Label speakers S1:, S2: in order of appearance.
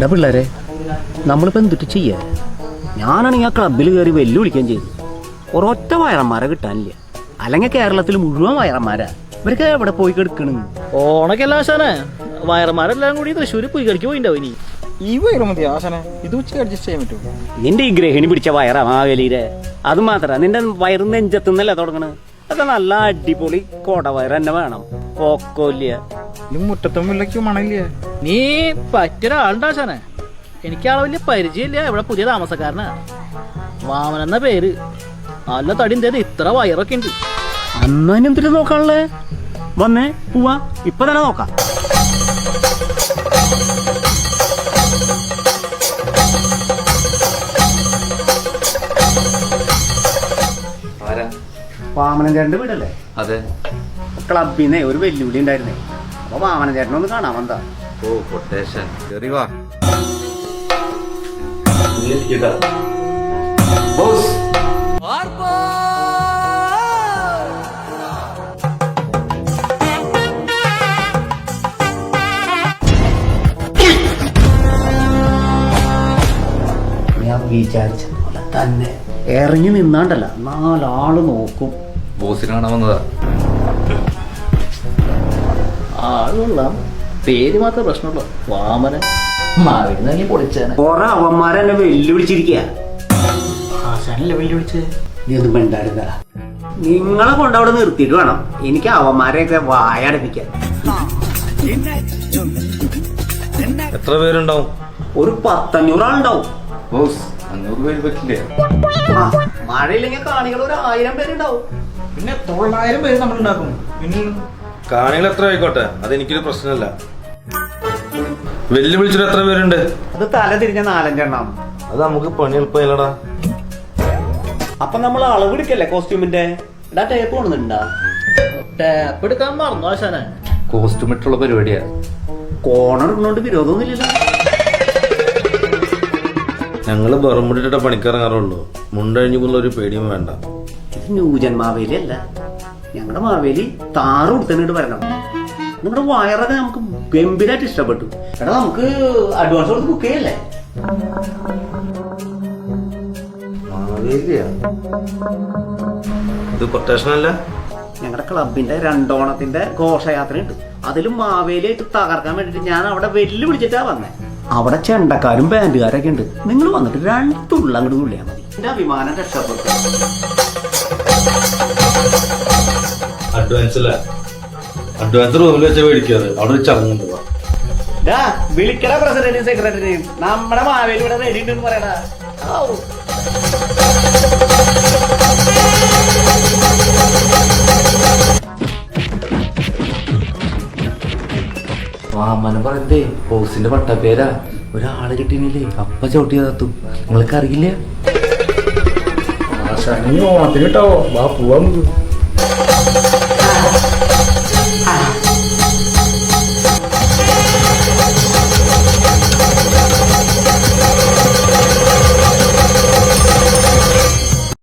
S1: പിള്ളേരെ നമ്മളിപ്പോൾ എന്തിട്ട് ചെയ്യാ? ഞാനാണെങ്കിൽ ആ ക്ലബിൽ കയറി വെല്ലുവിളിക്കുകയും ചെയ്തു. ഒരൊറ്റ വയറന്മാരെ കിട്ടാനില്ല. അല്ലെങ്കിൽ കേരളത്തിൽ മുഴുവൻ വയറന്മാരാ. ഇവർക്ക് എവിടെ പോയി കിടക്കണം?
S2: ഓണക്കല്ല ആശാനെ, വയറന്മാരെല്ലാം കൂടി തൃശ്ശൂർ പുയ്യടിക്ക് പോയിണ്ടാവും. ഇനി
S3: ഈ വയറ് മതി ആശാനെ, ഇത് ഉച്ചക്ക് അഡ്ജസ്റ്റ് ചെയ്യാൻ പറ്റുമോ?
S1: നിന്റെ ഈ ഗ്രഹിണി പിടിച്ച വയറാ മാവേലിയിലെ. അത് മാത്രമല്ല, നിന്റെ വയറ് നെഞ്ചത്തുനിന്നല്ലേ തുടങ്ങണത്. അതൊക്കെ നല്ല അടിപൊളി കോടവയർ തന്നെ വേണം. പോക്കോല്ല
S3: ഇത് മുറ്റത്തും വില്ലയ്ക്കും മണയില്ല.
S2: നീ പറ്റിയൊരാളുണ്ട് ആശാനെ. എനിക്കാളെ വലിയ പരിചയമില്ല, ഇവിടെ പുതിയ താമസക്കാരനാ. വാമൻ എന്ന പേര്. നല്ല തടി എന്തേത് ഇത്ര വയറൊക്കെ ഉണ്ട്.
S1: അന്നെന്തിട്ട് നോക്കാനുള്ളേ? വന്നേ പോവാ, ഇപ്പൊ തന്നെ നോക്കാം. വാമനൻ ചേട്ടന്റെ വീടല്ലേ?
S4: അതെ.
S1: ക്ലബിന്നേ ഒരു വെല്ലുവിളി ഉണ്ടായിരുന്നേ. അപ്പൊ വാമനൻ ചേട്ടനെ ഒന്ന് കാണാൻ വന്നതാ.
S4: ഓ കൊട്ടേഷൻ വാ.
S1: ഞാൻ വിചാരിച്ച പോലെ തന്നെ ഇറങ്ങി നിന്നാണ്ടല്ല, 4 ആള് നോക്കും.
S4: ബോസിനെ കാണാൻ വന്നതാ.
S2: ആളുള്ള പേര് മാത്രമേ പ്രശ്നമുള്ളൂ. വാമന മാവിടുന്നെങ്കിൽ പൊളിച്ചാണ്.
S1: കൊറേ അവന്മാരെന്നെ വെല്ലുവിളിച്ചിരിക്കുക.
S2: ആശാനല്ലേ വെല്ലുവിളിച്ചത്?
S1: നീ ഒന്നും വേണ്ടായിരുന്ന. നിങ്ങളെ കൊണ്ടവിടെ നിർത്തിയിട്ട് വേണം എനിക്ക് അവന്മാരെയൊക്കെ വായടപ്പിക്കാൻ.
S4: എത്ര പേരുണ്ടാവും?
S1: ഒരു 100-500 ആളുണ്ടാവും.
S4: ബോസ് 500 പേര് പറ്റില്ലേ?
S1: മഴയില്ലെങ്കിൽ കാണികൾ ഒരു 1000 പേരുണ്ടാവും.
S3: പിന്നെ 900 പേര് നമ്മൾ ഉണ്ടാക്കും. പിന്നെ
S4: കാണികൾ എത്ര ആയിക്കോട്ടെ, അതെനിക്കൊരു പ്രശ്നമല്ല. വെല്ലുവിളിച്ചിട്ട് എത്ര പേരുണ്ട്?
S1: അത് തല തിരിഞ്ഞ 4-5 എണ്ണം.
S4: അത് നമുക്ക് പണി എളുപ്പമില്ലടാ.
S1: അപ്പൊ നമ്മൾ അളവെടുക്കല്ലേ കോസ്റ്റ്യൂമിന്റെ? ടേപ്പ് കൊണ്ടുണ്ടാ?
S2: ടാപ്പ് എടുക്കാൻ മറന്നു ആശാനെ.
S4: കോസ്റ്റ്യൂം ഇട്ടുള്ള പരിപാടിയാ.
S1: കോണർ ഇടുന്നോണ്ട് വിരോധമൊന്നുമില്ലല്ലോ.
S4: ഞങ്ങള് ബറുമുടിട്ട പണിക്കിറങ്ങാറുള്ളൂ. മുണ്ടഴിഞ്ഞു പോകുന്ന ഒരു പേടിയും വേണ്ട.
S1: ഇത് ന്യൂജൻ മാവേലി അല്ല, ഞങ്ങളുടെ മാവേലി താറ് കൊടുത്തിട്ട് വരണം. നിങ്ങളുടെ വയറൊക്കെ നമുക്ക് ഗംഭീരമായിട്ട് ഇഷ്ടപ്പെട്ടു. എടാ നമുക്ക് അഡ്വാൻസ് കൊടുത്ത് ബുക്ക് ചെയ്യല്ലേ?
S4: ഇത് കൊട്ടേഷനല്ല.
S1: ഞങ്ങളുടെ ക്ലബിന്റെ 2 ഓണത്തിന്റെ ഘോഷയാത്ര ഉണ്ട്. അതിലും മാവേലിയായിട്ട് തകർക്കാൻ വേണ്ടിട്ട് ഞാൻ അവിടെ വെല്ലുവിളിച്ചിട്ടാ വന്നേ. അവിടെ ചെണ്ടക്കാരും ബാൻഡുകാരൊക്കെ ഉണ്ട്. നിങ്ങൾ വന്നിട്ട് 2 തുള്ള അങ്ങോട്ട് തുള്ളിയാൽ മതി. എന്റെ അഭിമാനം രക്ഷപ്പെട്ടു.
S4: അഡ്വാൻസ് റൂമിൽ വെച്ച മേടിക്കാറ്. അവിടെ ഒരു ചടങ്ങുണ്ട്.
S1: വിളിക്കട പ്രസിഡന്റും സെക്രട്ടറിയും. നമ്മുടെ മാവേലി ഇവിടെ റെഡി ഉണ്ടെന്ന് പറയടാ.
S4: വാമന പറയണ്ടേ, ബോസിന്റെ പട്ടപ്പേരാ. ഒരാള് കിട്ടിയില്ലേ അപ്പ ചവിട്ടി തത്തു. നിങ്ങൾക്ക് അറിയില്ല?
S3: ആശാനി ഓണത്തിന് കേട്ടോ, വാ പോവാ.